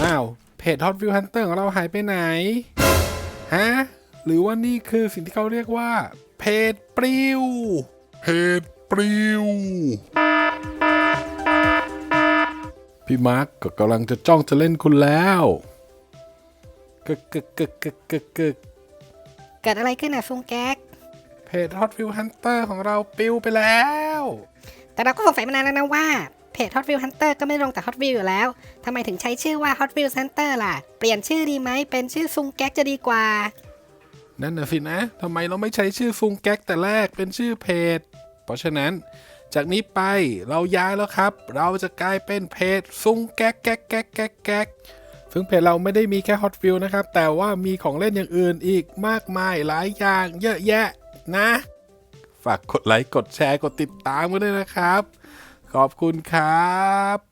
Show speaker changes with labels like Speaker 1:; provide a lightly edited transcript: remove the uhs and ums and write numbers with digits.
Speaker 1: อ้าวเพจ Hot Wheels Hunter ของเราหายไปไหนฮะหรือว่านี่คือสิ่งที่เขาเรียกว่าเพจปลิวพี่มาร์กก็กำลังจะจ้องจะเล่นคุณแล้วกึกกึกกึกกึกกึกกึก
Speaker 2: เกิดอะไรขึ้นซุงแก๊ก
Speaker 1: เพจ Hot Wheels Hunter ของเราปลิวไปแล้ว
Speaker 2: แต่เราก็สงสัยมานานแล้วนะว่าเพจ Hot Wheels Hunter ก็ไม่ลงจาก Hot Wheels อยู่แล้วทำไมถึงใช้ชื่อว่า Hot Wheels Hunter ล่ะเปลี่ยนชื่อดีไหมเป็นชื่อซุงแก๊กจะดีกว่า
Speaker 1: นั่นน่ะสินะทำไมเราไม่ใช้ชื่อซุงแก๊กแต่แรกเป็นชื่อเพจเพราะฉะนั้นจากนี้ไปเราย้ายแล้วครับเราจะกลายเป็นเพจซุงแก๊กแก๊กแก๊กแก๊กแก๊กซึ่งเพจเราไม่ได้มีแค่ Hot Wheels นะครับแต่ว่ามีของเล่นอย่างอื่นอีกมากมายหลายอย่างเยอะแยะนะฝากกดไลค์กดแชร์กดติดตามกันด้วยนะครับขอบคุณครับ